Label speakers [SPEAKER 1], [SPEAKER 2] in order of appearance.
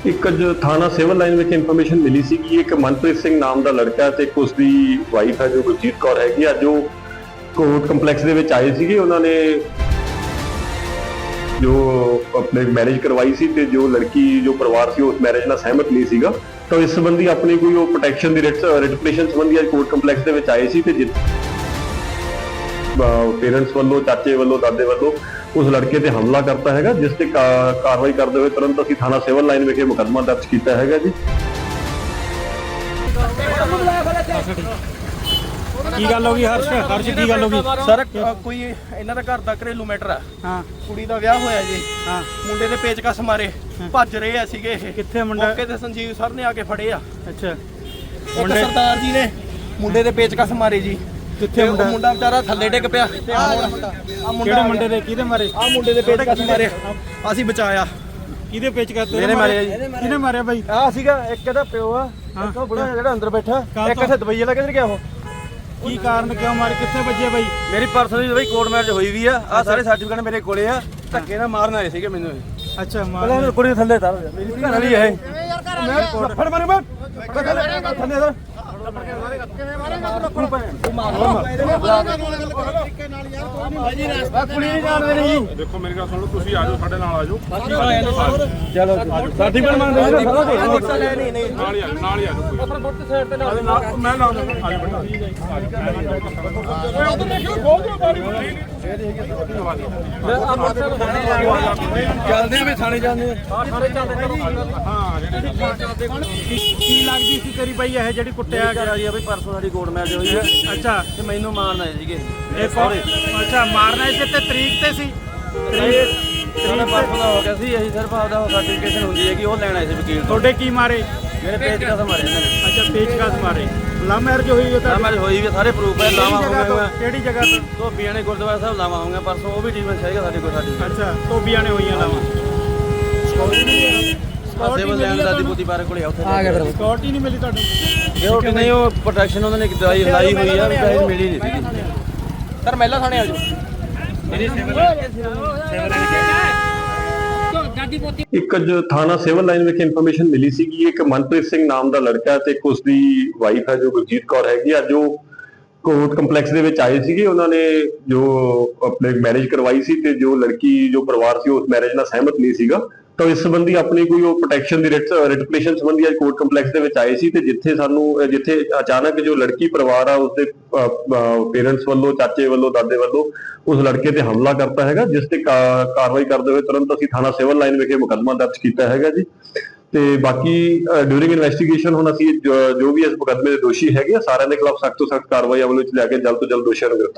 [SPEAKER 1] ਇੱਕ ਅੱਜ ਥਾਣਾ ਸਿਵਲ ਲਾਈਨ ਵਿੱਚ ਇਨਫੋਰਮੇਸ਼ਨ ਮਿਲੀ ਸੀ ਕਿ ਇੱਕ ਮਨਪ੍ਰੀਤ ਸਿੰਘ ਨਾਮ ਦਾ ਲੜਕਾ ਤੇ ਇੱਕ ਉਸਦੀ ਵਾਈਫ ਹੈ ਜੋ ਗੁਰਜੀਤ ਕੌਰ ਹੈਗੀ, ਅੱਜ ਉਹ ਕੋਰਟ ਕੰਪਲੈਕਸ ਦੇ ਵਿੱਚ ਆਏ ਸੀਗੇ। ਉਹਨਾਂ ਨੇ ਜੋ ਆਪਣੇ ਮੈਰਿਜ ਕਰਵਾਈ ਸੀ ਤੇ ਜੋ ਲੜਕੀ ਜੋ ਪਰਿਵਾਰ ਸੀ ਉਸ ਮੈਰਿਜ ਨਾਲ ਸਹਿਮਤ ਨਹੀਂ ਸੀਗਾ, ਤਾਂ ਇਸ ਸੰਬੰਧੀ ਆਪਣੀ ਕੋਈ ਉਹ ਪ੍ਰੋਟੈਕਸ਼ਨ ਦੀ ਰਿਟ ਪਟੀਸ਼ਨ ਸੰਬੰਧੀ ਅੱਜ ਕੋਰਟ ਕੰਪਲੈਕਸ ਦੇ ਵਿੱਚ ਆਏ ਸੀ ਤੇ ਪੇਰੈਂਟਸ ਵੱਲੋਂ, ਚਾਚੇ ਵੱਲੋਂ, ਦਾਦੇ ਵੱਲੋਂ ਉਸ ਲੜਕੇ ਤੇ ਹਮਲਾ ਕਰਤਾ ਹੈਗਾ, ਜਿਸ ਤੇ ਕਾਰਵਾਈ ਕਰਦੇ ਹੋਏ ਤੁਰੰਤ ਅਸੀਂ ਥਾਣਾ ਸਿਵਲ ਲਾਈਨ ਵਿਖੇ ਮੁਕੱਦਮਾ ਦਰਜ ਕੀਤਾ ਹੈਗਾ ਜੀ।
[SPEAKER 2] ਕੀ ਗੱਲ ਹੋ ਗਈ ਹਰਸ਼ ਕੀ ਗੱਲ ਹੋ ਗਈ
[SPEAKER 3] ਸਰ? ਕੋਈ ਇਹਨਾਂ ਦਾ ਘਰ ਦਾ ਘਰੇਲੂ ਮੈਟਰ ਆ।
[SPEAKER 2] ਹਾਂ,
[SPEAKER 3] ਕੁੜੀ ਦਾ ਵਿਆਹ ਹੋਇਆ ਜੀ।
[SPEAKER 2] ਹਾਂ,
[SPEAKER 3] ਮੁੰਡੇ ਦੇ ਪੇਚਕਸ ਮਾਰੇ ਭੱਜ ਰਹੇ ਆ ਸੀਗੇ ਇਹ।
[SPEAKER 2] ਕਿੱਥੇ ਮੁੰਡਾ?
[SPEAKER 3] ਮੌਕੇ ਤੇ ਸੰਜੀਵ ਸਰ ਨੇ ਆ ਕੇ ਫੜੇ ਆ।
[SPEAKER 2] ਅੱਛਾ,
[SPEAKER 3] ਇੱਕ ਸਰਦਾਰ ਜੀ ਨੇ ਮੁੰਡੇ ਦੇ ਪੇਚਕਸ ਮਾਰੇ ਜੀ।
[SPEAKER 2] ਕਿੱਥੇ ਮੁੰਡਾ?
[SPEAKER 3] ਮੁੰਡਾ ਵਿਚਾਰਾ ਥੱਲੇ ਡਿੱਗ ਪਿਆ।
[SPEAKER 2] ਕਿਹੜੇ ਮੁੰਡੇ ਦੇ? ਕਿਹਦੇ ਮਾਰੇ?
[SPEAKER 3] ਆ ਮੁੰਡੇ ਦੇ ਪੇਚਕਸ ਮਾਰੇ, ਅਸੀਂ ਬਚਾਇਆ।
[SPEAKER 2] ਕਿਹਦੇ ਪੇਚਕਸ?
[SPEAKER 3] ਮੇਰੇ ਮਾਰੇ ਜੀ।
[SPEAKER 2] ਕਿਹਨੇ ਮਾਰਿਆ ਬਾਈ?
[SPEAKER 3] ਆ ਸੀਗਾ ਇੱਕ ਇਹਦਾ ਪਿਓ ਆ, ਇੱਕ ਉਹ ਬੁੜਾ ਜਿਹੜਾ ਅੰਦਰ ਬੈਠਾ, ਇੱਕ ਇੱਥੇ ਦੁਬਈ ਵਾਲਾ ਕਿੱਧਰ ਗਿਆ ਉਹ?
[SPEAKER 2] ਕੀ ਕਾਰਨ, ਕਿਉਂ ਮਾਰੇ, ਕਿੱਥੇ ਵੱਜੇ ਬਾਈ?
[SPEAKER 3] ਮੇਰੀ ਪਰਸਨਲੀ ਬਈ ਕੋਰਟ ਮੈਰਿਜ ਹੋਈ ਵੀ ਆ। ਆ ਸਾਰੇ ਸਰਟੀਫਿਕੇਟ ਮੇਰੇ ਕੋਲੇ ਆ। ਧੱਕੇ ਨਾਲ ਮਾਰਨ ਆਏ ਸੀਗੇ ਮੈਨੂੰ।
[SPEAKER 2] ਅੱਛਾ,
[SPEAKER 3] ਪਹਿਲਾਂ ਕੁੜੀ ਥੱਲੇ ਤਾਰ ਮੇਰੀ ਘਰ ਵਾਲੀ ਹੈ। ਮੈਂ ਫੜ ਮਾਰੂ ਮੈਂ ਥੱਲੇ ਸਰ
[SPEAKER 4] ਦੇਖੋ ਮੇਰੀ ਗੱਲ ਸੁਣ ਲਓ, ਤੁਸੀਂ ਆ ਜਾਓ, ਸਾਡੇ ਨਾਲ ਆ ਜਾਓ,
[SPEAKER 3] ਚਲੋ ਸਰਟੀਫਿਕੇਟ ਮੰਗਦੇ
[SPEAKER 4] ਨਾਲ ਹੀ ਆ ਜਾਓ, ਨਾਲ ਹੀ ਆ ਜਾਓ।
[SPEAKER 3] ਆਪਣਾ ਬੁੱਤ ਸਾਈਡ ਤੇ ਲਾ ਦੇ।
[SPEAKER 4] ਮੈਂ ਲਾ ਦਿੰਦਾ, ਆ ਜਾਓ ਬੇਟਾ, ਉਹ ਤਾਂ ਦੇਖਿਓ ਖੋਲ ਦਿਓ ਬਾਰੀ ਬੁਰੀ।
[SPEAKER 3] ਚੱਲਦੇ ਆ ਵੀ ਥਾਣੇ ਜਾਂਦੇ ਆ। ਥਾਣੇ ਚੱਲਦੇ
[SPEAKER 4] ਹਾਂ,
[SPEAKER 2] ਕੀ ਲੱਗਦੀ ਸੀ ਤੇਰੀ ਬਾਈ ਇਹ ਜਿਹੜੀ ਕੁੱਟਿਆ
[SPEAKER 3] ਕਰਾ ਜੀ ਬਈ ਪਰਸੋਂ ਸਾਡੀ ਕੋਰਟ ਮੈਰਿਜ ਹੋਈ ਹੈ।
[SPEAKER 2] ਅੱਛਾ,
[SPEAKER 3] ਤੇ ਮੈਨੂੰ ਮਾਰਨ ਆਏ ਸੀਗੇ
[SPEAKER 2] ਇਹ ਕੌਣ? ਅੱਛਾ, ਮਾਰਨਾ ਇਸ ਤੇ ਤਰੀਕ ਤੇ ਸੀ?
[SPEAKER 3] ਇਹਨਾਂ ਪਰਸੋਂ ਦਾ ਹੋ ਗਿਆ ਸੀ। ਅਸੀਂ ਸਿਰਫ ਆਪਦਾ ਸਰਟੀਫਿਕੇਸ਼ਨ ਹੁੰਦੀ ਹੈ ਕਿ ਉਹ ਲੈਣ ਆਏ ਸੀ ਵਕੀਲ ਤੋਂ।
[SPEAKER 2] ਤੁਹਾਡੇ ਕੀ ਮਾਰੇ?
[SPEAKER 3] ਮੇਰੇ ਪੇਚਕਸ ਮਾਰੇ ਇਹਨਾਂ ਨੇ।
[SPEAKER 2] ਅੱਛਾ, ਪੇਚਕਸ ਮਾਰੇ। ਲਵ ਮੈਰਿਜ ਹੋਈ ਹੈ ਤਾਂ?
[SPEAKER 3] ਮੈਰਿਜ ਹੋਈ ਵੀ, ਸਾਰੇ ਪ੍ਰੂਫ ਹੈ। ਲਾਵਾ ਹੋ ਗਿਆ।
[SPEAKER 2] ਕਿਹੜੀ ਜਗ੍ਹਾ ਤੋਂ?
[SPEAKER 3] ਧੋਬੀਆਂ ਨੇ ਗੁਰਦੁਆਰਾ ਸਾਹਿਬ ਲਾਵਾ ਹੋਊਗਾ ਪਰਸੋਂ, ਉਹ ਵੀ ਜੀਵਨ ਚਾਹੀਦਾ ਸਾਡੇ ਕੋਲ। ਸਾਡੀ
[SPEAKER 2] ਅੱਛਾ, ਧੋਬੀਆਂ ਨੇ ਹੋਈਆਂ ਲਾਵਾਂ।
[SPEAKER 3] ਸਿਵਲ ਲੈਂਡ ਦਾਦੀ ਪੁੱਤੀ ਬਾਰੇ ਕੋਲੇ ਉੱਥੇ ਆ ਗਿਆ। ਫਿਰ
[SPEAKER 2] ਸਿਕਿਉਰਿਟੀ ਨਹੀਂ ਮਿਲੀ ਤੁਹਾਨੂੰ?
[SPEAKER 3] ਸਿਕਿਉਰਿਟੀ ਨਹੀਂ, ਉਹ ਪ੍ਰੋਟੈਕਸ਼ਨ ਉਹਨਾਂ ਨੇ ਦਵਾਈ ਲਾਈ ਹੋਈ ਆ, ਵੀ ਪੈਸੇ ਮਿਲੀ ਨਹੀਂ ਸੀਗੀ। ਸਰ ਮਹਿਲਾ ਥਾਣੇ ਆ ਜਾਓ।
[SPEAKER 1] ਇੱਕ ਅੱਜ ਥਾਣਾ ਸਿਵਲ ਲਾਈਨ ਵਿੱਚ ਇਨਫੋਰਮੇਸ਼ਨ ਮਿਲੀ ਸੀ ਕਿ ਇੱਕ ਮਨਪ੍ਰੀਤ ਸਿੰਘ ਨਾਮ ਦਾ ਲੜਕਾ ਤੇ ਇੱਕ ਉਸਦੀ ਵਾਈਫ ਹੈ ਜੋ ਗੁਰਜੀਤ ਕੌਰ ਹੈਗੀ, ਅੱਜ ਉਹ ਕੋਰਟ ਕੰਪਲੈਕਸ ਦੇ ਵਿੱਚ ਆਏ ਸੀਗੇ। ਉਹਨਾਂ ਨੇ ਜੋ ਆਪਣੇ ਮੈਰਿਜ ਕਰਵਾਈ ਸੀ ਤੇ ਜੋ ਲੜਕੀ ਜੋ ਪਰਿਵਾਰ ਸੀ ਉਸ ਮੈਰਿਜ ਨਾਲ ਸਹਿਮਤ ਨਹੀਂ ਸੀਗਾ, ਤਾਂ ਇਸ ਸੰਬੰਧੀ ਆਪਣੀ ਕੋਈ ਉਹ ਪ੍ਰੋਟੈਕਸ਼ਨ ਦੀ ਰਿਟ ਪਟੀਸ਼ਨ ਸੰਬੰਧੀ ਅੱਜ ਕੋਰਟ ਕੰਪਲੈਕਸ ਦੇ ਵਿੱਚ ਆਏ ਸੀ ਤੇ ਜਿੱਥੇ ਅਚਾਨਕ ਜੋ ਲੜਕੀ ਪਰਿਵਾਰ ਆ ਉਸਦੇ ਪੇਰੈਂਟਸ ਵੱਲੋਂ, ਚਾਚੇ ਵੱਲੋਂ, ਦਾਦੇ ਵੱਲੋਂ ਉਸ ਲੜਕੇ ਤੇ ਹਮਲਾ ਕਰਤਾ ਹੈਗਾ, ਜਿਸ ਤੇ ਕਾਰਵਾਈ ਕਰਦੇ ਹੋਏ ਤੁਰੰਤ ਅਸੀਂ ਥਾਣਾ ਸਿਵਲ ਲਾਈਨ ਵਿਖੇ ਮੁਕੱਦਮਾ ਦਰਜ ਕੀਤਾ ਹੈਗਾ ਜੀ। ਤੇ ਬਾਕੀ ਡਿਊਰਿੰਗ ਇਨਵੈਸਟੀਗੇਸ਼ਨ ਹੁਣ ਅਸੀਂ ਜੋ ਵੀ ਇਸ ਮੁਕੱਦਮੇ ਦੇ ਦੋਸ਼ੀ ਹੈਗੇ ਆ ਸਾਰਿਆਂ ਦੇ ਖਿਲਾਫ ਸਖਤ ਤੋਂ ਸਖਤ ਕਾਰਵਾਈ ਅਮਲ ਵਿੱਚ ਲਿਆ ਕੇ ਜਲਦ ਤੋਂ ਜਲਦ ਦੋਸ਼ੀਆਂ ਨੂੰ